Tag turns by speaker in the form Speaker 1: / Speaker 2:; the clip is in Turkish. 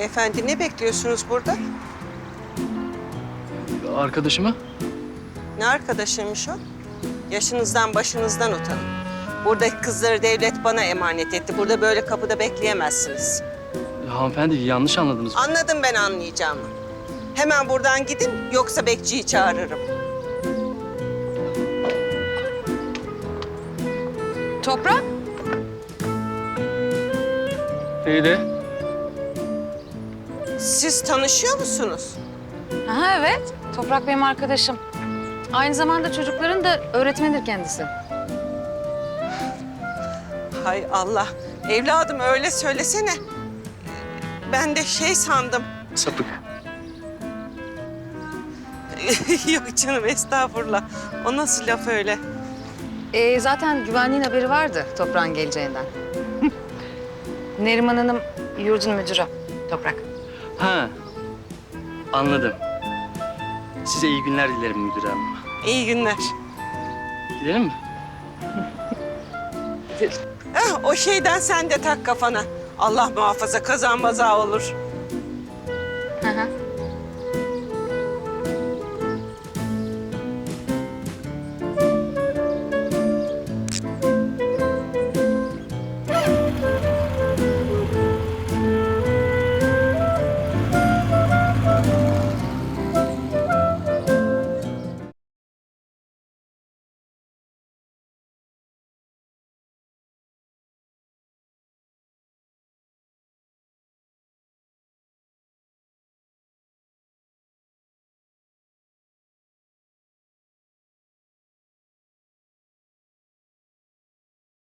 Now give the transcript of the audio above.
Speaker 1: Beyefendi ne bekliyorsunuz burada?
Speaker 2: Arkadaşımı?
Speaker 1: Ne arkadaşıymış o? Yaşınızdan başınızdan utanın. Buradaki kızları devlet bana emanet etti. Burada böyle kapıda bekleyemezsiniz.
Speaker 2: Hanımefendi yanlış anladınız.
Speaker 1: Anladım ben anlayacağımı. Hemen buradan gidin yoksa bekçiyi çağırırım.
Speaker 3: Toprak?
Speaker 2: Feride.
Speaker 1: Siz tanışıyor musunuz?
Speaker 3: Aha, evet. Toprak benim arkadaşım. Aynı zamanda çocukların da öğretmenidir kendisi.
Speaker 1: Hay Allah. Evladım öyle söylesene. Ben de şey sandım.
Speaker 2: Sapık.
Speaker 1: Yok canım estağfurullah. O nasıl laf öyle?
Speaker 3: Zaten güvenliğin haberi vardı Toprak'ın geleceğinden. Neriman Hanım yurdun müdürü Toprak.
Speaker 2: Ha. Anladım. Size iyi günler dilerim müdür hanım.
Speaker 1: İyi günler.
Speaker 2: Gidelim mi?
Speaker 1: O şeyden sen de tak kafana. Allah muhafaza kazan maza olur.
Speaker 3: Hı hı.